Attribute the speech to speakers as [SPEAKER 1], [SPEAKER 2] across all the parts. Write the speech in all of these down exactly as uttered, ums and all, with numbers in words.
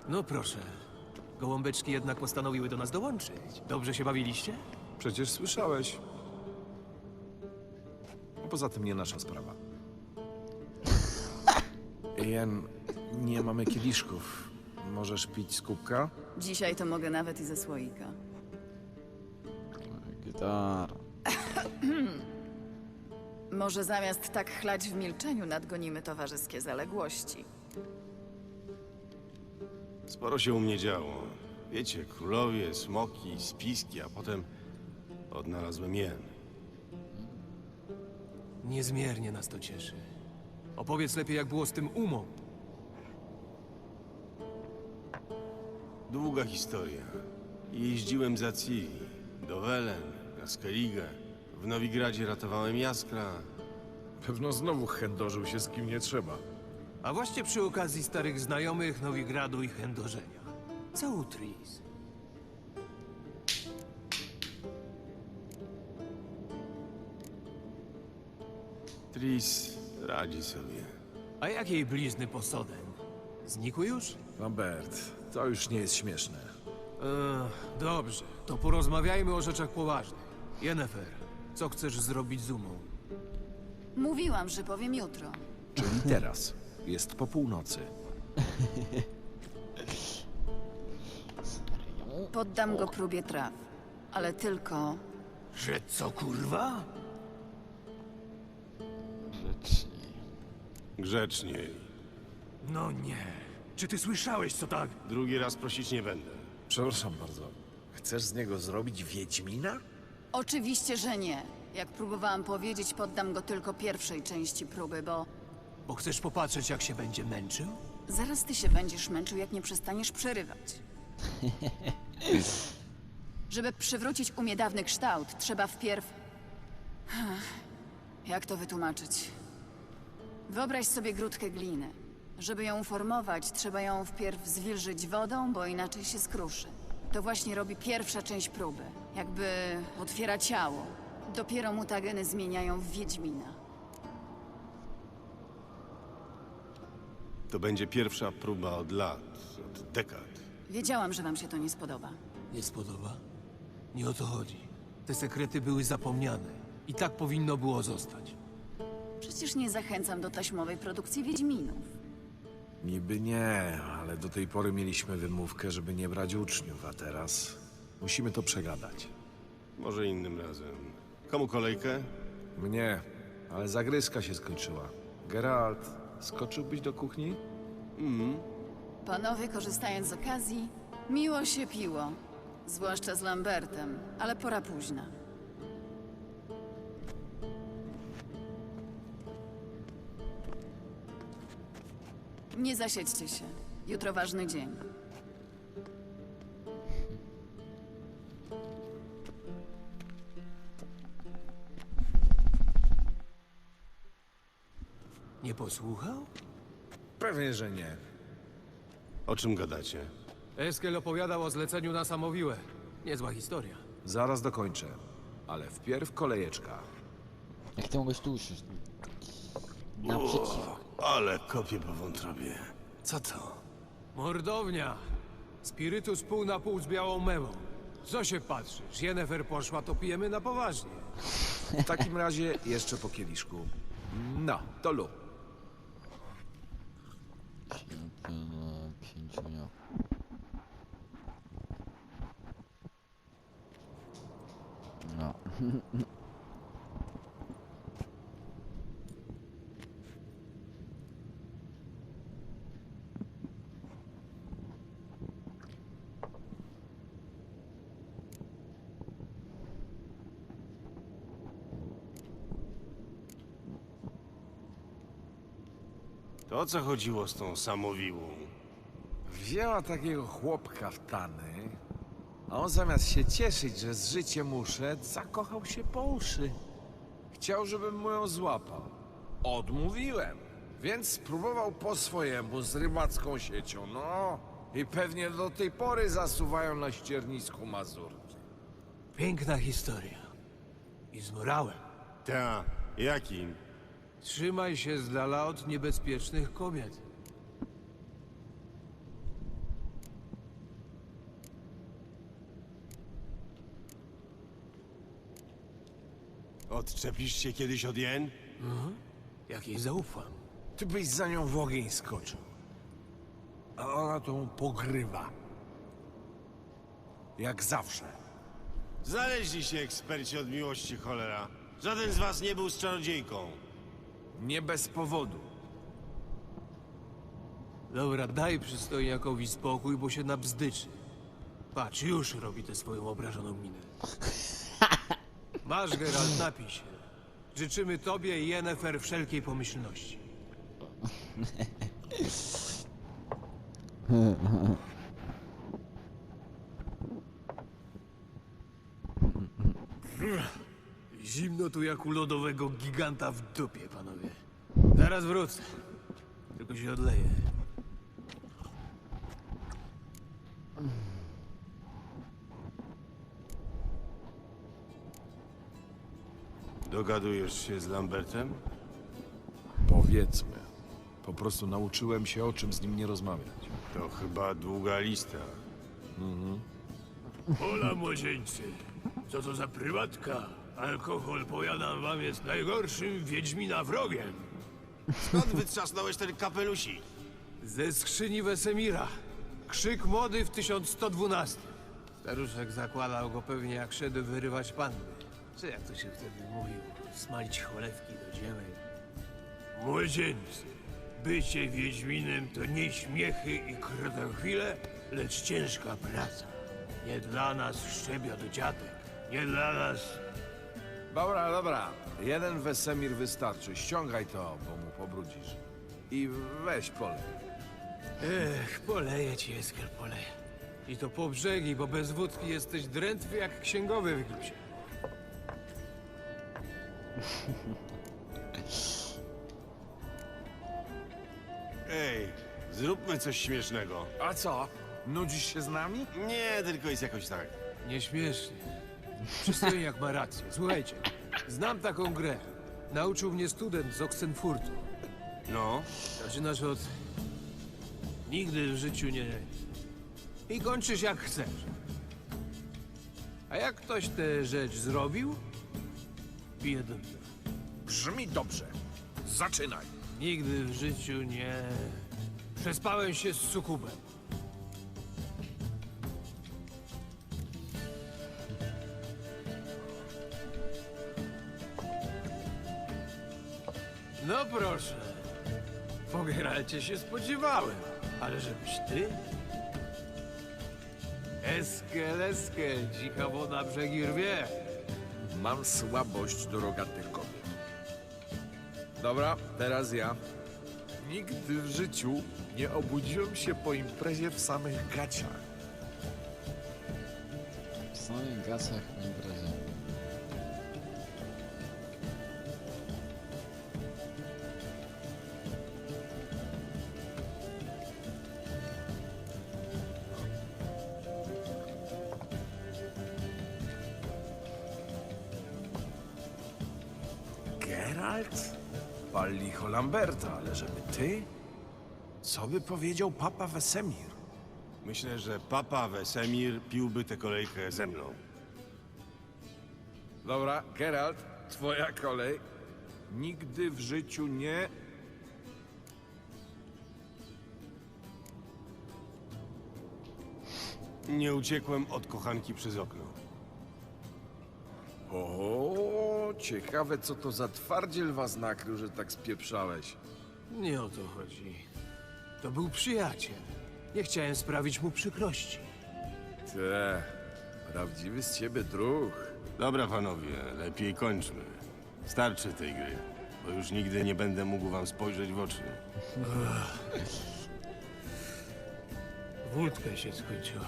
[SPEAKER 1] No proszę. Gołąbeczki jednak postanowiły do nas dołączyć. Dobrze się bawiliście?
[SPEAKER 2] Przecież słyszałeś. A poza tym nie nasza sprawa. Jen, nie mamy kieliszków. Możesz pić z kubka?
[SPEAKER 3] Dzisiaj to mogę nawet i ze słoika.
[SPEAKER 4] Gitara.
[SPEAKER 3] Może zamiast tak chlać w milczeniu nadgonimy towarzyskie zaległości.
[SPEAKER 5] Sporo się u mnie działo. Wiecie, królowie, smoki, spiski, a potem odnalazłem jen.
[SPEAKER 1] Niezmiernie nas to cieszy. Opowiedz lepiej, jak było z tym umą.
[SPEAKER 5] Długa historia. Jeździłem za Ciri, do Welen, na Skellige. W Nowigradzie ratowałem Jaskra.
[SPEAKER 2] Pewno znowu chędożył się z kim nie trzeba.
[SPEAKER 1] A właśnie przy okazji starych znajomych Nowigradu i chędożenia. Co u Tris?
[SPEAKER 5] Tris radzi sobie.
[SPEAKER 1] A jak jej blizny posoden? Znikły już?
[SPEAKER 2] Lambert, to już nie jest śmieszne.
[SPEAKER 1] Ech, dobrze, to porozmawiajmy o rzeczach poważnych. Yennefer, co chcesz zrobić z umą?
[SPEAKER 3] Mówiłam, że powiem jutro.
[SPEAKER 2] Czyli teraz. Jest po północy.
[SPEAKER 3] Poddam go próbie traw. Ale tylko...
[SPEAKER 1] Że co, kurwa?
[SPEAKER 4] Grzeczniej.
[SPEAKER 5] Grzeczniej.
[SPEAKER 1] No nie. Czy ty słyszałeś, co tak?
[SPEAKER 5] Drugi raz prosić nie będę.
[SPEAKER 2] Przepraszam bardzo. Chcesz z niego zrobić Wiedźmina?
[SPEAKER 3] Oczywiście, że nie. Jak próbowałam powiedzieć, poddam go tylko pierwszej części próby, bo...
[SPEAKER 1] Bo chcesz popatrzeć, jak się będzie męczył?
[SPEAKER 3] Zaraz ty się będziesz męczył, jak nie przestaniesz przerywać. Żeby przywrócić umie dawny kształt, trzeba wpierw... Jak to wytłumaczyć? Wyobraź sobie grudkę gliny. Żeby ją uformować, trzeba ją wpierw zwilżyć wodą, bo inaczej się skruszy. To właśnie robi pierwsza część próby. Jakby otwiera ciało. Dopiero mutageny zmieniają w Wiedźmina.
[SPEAKER 5] To będzie pierwsza próba od lat, od dekad.
[SPEAKER 3] Wiedziałam, że wam się to nie spodoba.
[SPEAKER 1] Nie spodoba? Nie o to chodzi. Te sekrety były zapomniane. I tak powinno było zostać.
[SPEAKER 3] Przecież nie zachęcam do taśmowej produkcji Wiedźminów.
[SPEAKER 2] Niby nie, ale do tej pory mieliśmy wymówkę, żeby nie brać uczniów, a teraz musimy to przegadać.
[SPEAKER 5] Może innym razem. Komu kolejkę?
[SPEAKER 2] Mnie, ale zagryzka się skończyła. Geralt, skoczyłbyś do kuchni?
[SPEAKER 3] Panowie, korzystając z okazji, miło się piło. Zwłaszcza z Lambertem, ale pora późna. Nie zasiedźcie się. Jutro ważny dzień.
[SPEAKER 1] Nie posłuchał?
[SPEAKER 2] Pewnie, że nie.
[SPEAKER 5] O czym gadacie?
[SPEAKER 1] Eskel opowiadał o zleceniu na Samowiłę. Niezła historia.
[SPEAKER 2] Zaraz dokończę. Ale wpierw kolejeczka.
[SPEAKER 4] Jak ty mogłeś tu usiąść? Naprzeciw.
[SPEAKER 5] Ale kopię po wątrobie.
[SPEAKER 1] Co to? Mordownia. Spirytus pół na pół z białą mewą. Co się patrzysz? Yennefer poszła, to pijemy na poważnie.
[SPEAKER 2] W takim razie jeszcze po kieliszku. No, to lu.
[SPEAKER 4] Na pięciu dniach. No.
[SPEAKER 5] To o co chodziło z tą samowiłą?
[SPEAKER 2] Wzięła takiego chłopka w tany, a on zamiast się cieszyć, że z życiem uszedł, zakochał się po uszy. Chciał, żebym mu ją złapał. Odmówiłem, więc spróbował po swojemu z rybacką siecią, no. I pewnie do tej pory zasuwają na ściernisku mazurki.
[SPEAKER 1] Piękna historia. I z morałem.
[SPEAKER 5] Ta, jakim?
[SPEAKER 1] Trzymaj się z dala od niebezpiecznych kobiet.
[SPEAKER 5] Odczepisz się kiedyś od jen?
[SPEAKER 1] Jak jej zaufam.
[SPEAKER 2] Ty byś za nią w ogień skoczył. A ona tą pogrywa. Jak zawsze.
[SPEAKER 5] Znaleźli się eksperci od miłości, cholera. Żaden z was nie był z czarodziejką.
[SPEAKER 2] Nie bez powodu.
[SPEAKER 1] Dobra, daj przystojniakowi spokój, bo się nabzdyczy. Patrz, już robi tę swoją obrażoną minę. Masz, Geralt, napij się. Życzymy tobie i Yennefer wszelkiej pomyślności. Zimno tu jak u lodowego giganta w dupie, panowie. Zaraz wrócę. Tylko się odleję.
[SPEAKER 5] Dogadujesz się z Lambertem?
[SPEAKER 2] Powiedzmy. Po prostu nauczyłem się, o czym z nim nie rozmawiać.
[SPEAKER 5] To chyba długa lista.
[SPEAKER 1] Hola, młodzieńcy. Co to za prywatka? Alkohol, powiadam wam, jest najgorszym wiedźmina wrogiem.
[SPEAKER 5] Skąd wytrzasnąłeś ten kapelusik?
[SPEAKER 1] Ze skrzyni Wesemira. Krzyk mody w tysiąc sto dwunastym. Staruszek zakładał go pewnie jak szedł wyrywać panny. Czy jak to się wtedy mówił? Smalić cholewki do dziemek. Młodzieńcy, bycie wiedźminem to nie śmiechy i krotochwile, lecz ciężka praca. Nie dla nas szczebia do dziadek. Nie dla nas...
[SPEAKER 2] Dobra, dobra. Jeden Wesemir wystarczy. Ściągaj to, bo mu pobrudzisz. I weź polej.
[SPEAKER 1] Ech, poleję ci, Eskiel, poleję. I to po brzegi, bo bez wódki jesteś drętwy jak księgowy w gipsie.
[SPEAKER 5] Ej, zróbmy coś śmiesznego.
[SPEAKER 2] A co? Nudzisz się z nami?
[SPEAKER 5] Nie, tylko jest jakoś tak.
[SPEAKER 1] Nieśmiesznie. Przystojniak ma rację. Słuchajcie, znam taką grę. Nauczył mnie student z Oxenfurtu.
[SPEAKER 5] No,
[SPEAKER 1] Zaczynasz od... Nigdy w życiu nie... I kończysz jak chcesz. A jak ktoś tę rzecz zrobił, pije do mnie.
[SPEAKER 2] Brzmi dobrze. Zaczynaj.
[SPEAKER 1] Nigdy w życiu nie... Przespałem się z sukubem. No proszę. Po Geralcie się spodziewałem. Ale żebyś ty? Eskel, eskel, dzika woda brzegi rwie.
[SPEAKER 2] Mam słabość do rogatych kobiet. Dobra, teraz ja. Nigdy w życiu nie obudziłem się po imprezie w samych gaciach.
[SPEAKER 4] W samych gasach po imprezie.
[SPEAKER 2] Geralt? Pal licho Lamberta, ale żeby ty? Co by powiedział papa Wesemir?
[SPEAKER 5] myślę, że papa Wesemir piłby tę kolejkę ze mną.
[SPEAKER 2] Dobra, Geralt, twoja kolej. Nigdy w życiu nie...
[SPEAKER 5] Nie uciekłem od kochanki przez okno.
[SPEAKER 2] O, ciekawe co to za twardziel was nakrył, że tak spieprzałeś.
[SPEAKER 1] Nie o to chodzi. To był przyjaciel. Nie chciałem sprawić mu przykrości.
[SPEAKER 2] Te, prawdziwy z ciebie druh.
[SPEAKER 5] Dobra, panowie, lepiej kończmy. Starczy tej gry, bo już nigdy nie będę mógł wam spojrzeć w oczy.
[SPEAKER 1] Wódka się skończyła.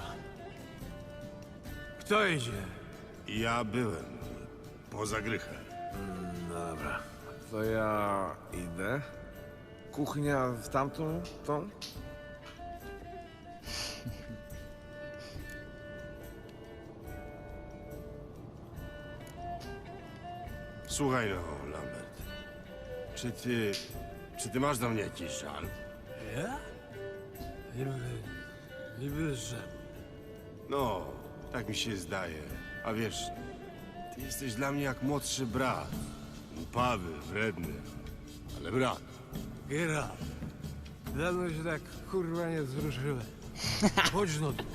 [SPEAKER 1] Kto idzie?
[SPEAKER 5] Ja byłem poza grychę.
[SPEAKER 2] Dobra, to ja idę. Kuchnia w tamtą, tą?
[SPEAKER 5] Słuchaj no, Lambert. Czy ty... Czy ty masz do mnie jakiś żal?
[SPEAKER 1] Ja? Niby... Niby że...
[SPEAKER 5] No, tak mi się zdaje. A wiesz, Jesteś dla mnie jak młodszy brat. Upawy, wredny, ale brat.
[SPEAKER 1] Geralt, dawno się tak kurwa nie wzruszyłem. Chodź no tu.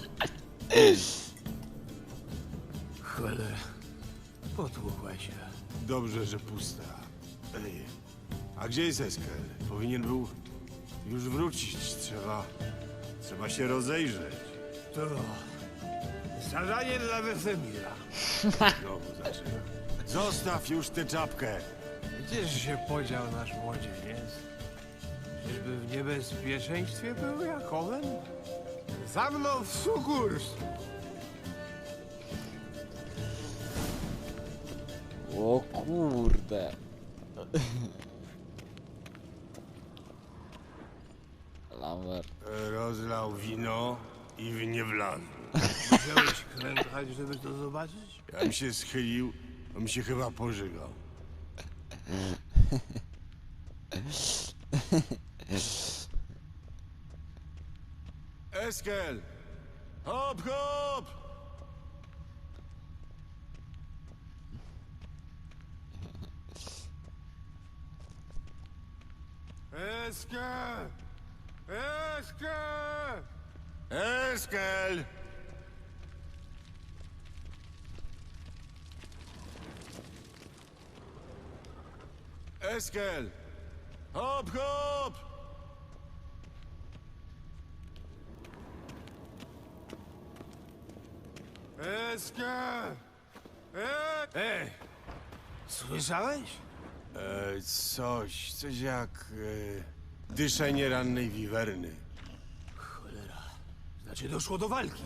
[SPEAKER 1] Cholera, potłukła się.
[SPEAKER 5] Dobrze, że pusta. Ej, a gdzie jest Eskel? Powinien był już wrócić. Trzeba... Trzeba się rozejrzeć.
[SPEAKER 1] To zadanie dla Wesemira.
[SPEAKER 5] Znowu zaczyna. Zostaw już tę czapkę.
[SPEAKER 1] Gdzież się podział nasz młodzieniec? Czyżby w niebezpieczeństwie był jak owen? Za mną w sukurs!
[SPEAKER 4] O kurde. Lambert.
[SPEAKER 5] Rozlał wino i w nie wlazł.
[SPEAKER 1] Musiałeś klękać, żeby to zobaczyć?
[SPEAKER 5] Ja się schylił, on mi się chyba pożygał. Eskel! Hop, hop!
[SPEAKER 1] Eskel! Eskel!
[SPEAKER 5] Eskel! Eskel! Hop, hop!
[SPEAKER 1] Eskel! E- Ej! Słyszałeś?
[SPEAKER 5] E, coś, coś jak e, dyszenie rannej wiwerny.
[SPEAKER 1] Cholera. Znaczy doszło do walki.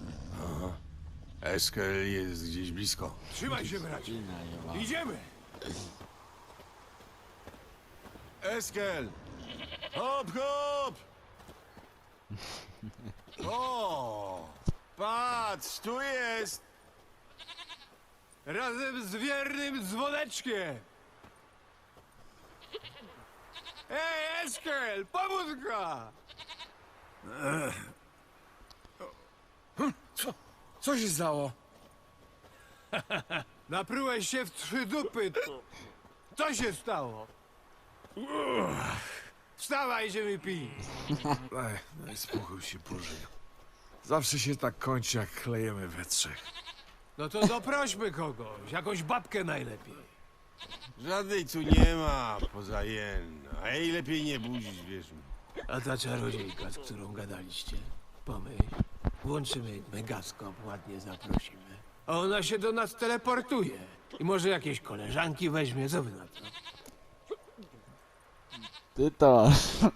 [SPEAKER 5] Eskel jest gdzieś blisko.
[SPEAKER 1] Trzymaj się, bracie. Idziemy!
[SPEAKER 5] Eskel! Hop, hop! O! Patrz, tu jest!
[SPEAKER 1] Razem z wiernym dzwoneczkiem! Ej, Eskel! Pomóżka!
[SPEAKER 2] Co? Co się stało?
[SPEAKER 1] Naprułeś się w trzy dupy. Co się stało? Wstawaj, idziemy pić.
[SPEAKER 2] Ej, daj spokój się, Boże. Zawsze się tak kończy, jak klejemy we trzech.
[SPEAKER 1] No to doprośmy kogoś, jakąś babkę najlepiej.
[SPEAKER 5] Żadnej tu nie ma, poza jen. A jej lepiej nie budzić, wierz mi.
[SPEAKER 1] A ta czarodziejka, z którą gadaliście, pomyśl, włączymy megaskop, ładnie zaprosimy. A ona się do nas teleportuje. I może jakieś koleżanki weźmie, co wy na to?
[SPEAKER 4] Ty to.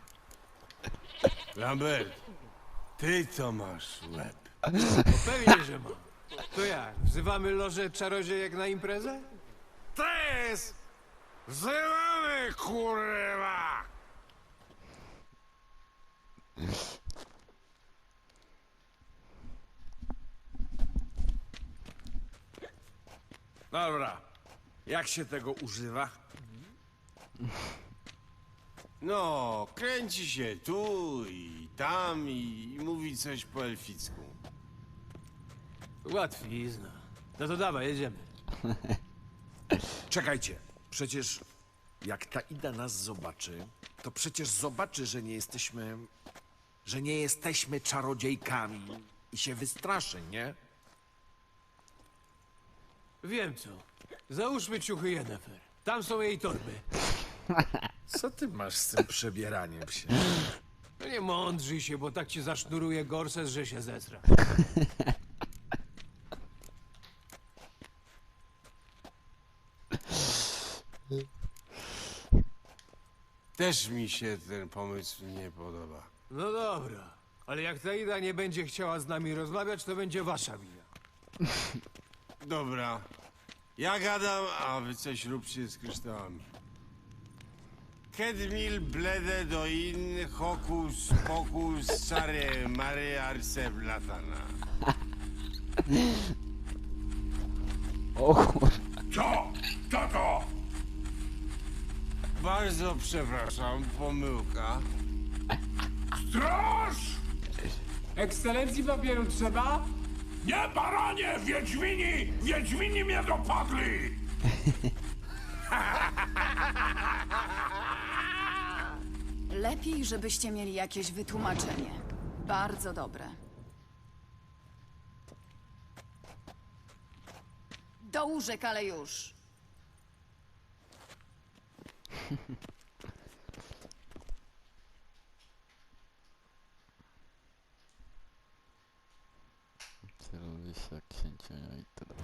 [SPEAKER 5] Lambert, ty to masz łeb.
[SPEAKER 1] No pewnie, że mam. To jak, wzywamy lożę czarodziejek na imprezę?
[SPEAKER 2] Tres! Wzywamy, kurwa! Dobra. Jak się tego używa?
[SPEAKER 5] No, kręci się tu i tam i, i mówi coś po elficku.
[SPEAKER 1] Łatwizna. No to dawaj, jedziemy.
[SPEAKER 2] Czekajcie. Przecież jak ta Ida nas zobaczy, to przecież zobaczy, że nie jesteśmy... że nie jesteśmy czarodziejkami i się wystraszy, nie?
[SPEAKER 1] Wiem co. Załóżmy ciuchy Yennefer. Tam są jej torby.
[SPEAKER 2] Co ty masz z tym przebieraniem się?
[SPEAKER 1] No nie mądrzyj się, bo tak ci zasznuruje gorset, że się zesra.
[SPEAKER 5] Też mi się ten pomysł nie podoba.
[SPEAKER 1] No dobra. Ale jak ta Ida nie będzie chciała z nami rozmawiać, to będzie wasza wina.
[SPEAKER 5] Dobra, ja gadam, a wy coś róbcie z kryształami. Kedmil blede do in hokus pokus sare mare arse blatana.
[SPEAKER 4] O kur...
[SPEAKER 5] Co? Co to? Bardzo przepraszam, pomyłka.
[SPEAKER 1] Ekscelencji papieru trzeba?
[SPEAKER 6] Nie, baranie! Wiedźmini! Wiedźmini mnie dopadli!
[SPEAKER 3] Lepiej, żebyście mieli jakieś wytłumaczenie. Bardzo dobre. Do łóżek, ale już.
[SPEAKER 4] Celuję się jak księcia i tyle.